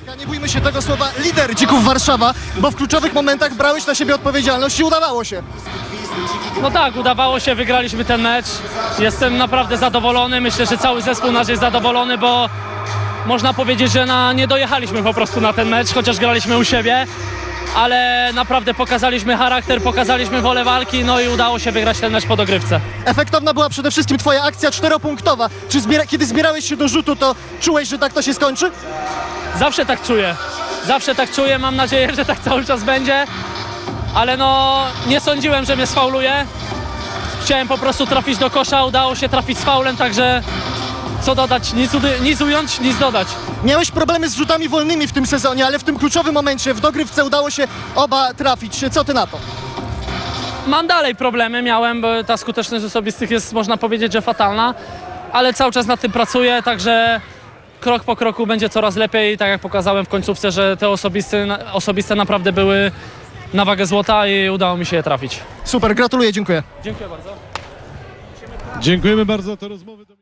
Nie bójmy się tego słowa lider Dzików Warszawa, bo w kluczowych momentach brałeś na siebie odpowiedzialność i udawało się. No tak, udawało się, wygraliśmy ten mecz. Jestem naprawdę zadowolony, myślę, że cały zespół nasz jest zadowolony, bo można powiedzieć, że nie dojechaliśmy po prostu na ten mecz, chociaż graliśmy u siebie. Ale naprawdę pokazaliśmy charakter, pokazaliśmy wolę walki, no i udało się wygrać ten mecz po dogrywce. Efektowna była przede wszystkim twoja akcja 4-punktowa. Czy kiedy zbierałeś się do rzutu, to czułeś, że tak to się skończy? Zawsze tak czuję. Zawsze tak czuję, mam nadzieję, że tak cały czas będzie. Ale no, nie sądziłem, że mnie sfauluje. Chciałem po prostu trafić do kosza, udało się trafić z faulem, także co dodać, nic ująć, nic dodać. Miałeś problemy z rzutami wolnymi w tym sezonie, ale w tym kluczowym momencie w dogrywce udało się oba trafić. Co ty na to? Mam dalej problemy, miałem, bo ta skuteczność osobistych jest, można powiedzieć, że fatalna, ale cały czas nad tym pracuję, także krok po kroku będzie coraz lepiej. Tak jak pokazałem w końcówce, że te osobiste naprawdę były na wagę złota i udało mi się je trafić. Super, gratuluję, dziękuję. Dziękuję bardzo. Dziękujemy bardzo za tę rozmowę.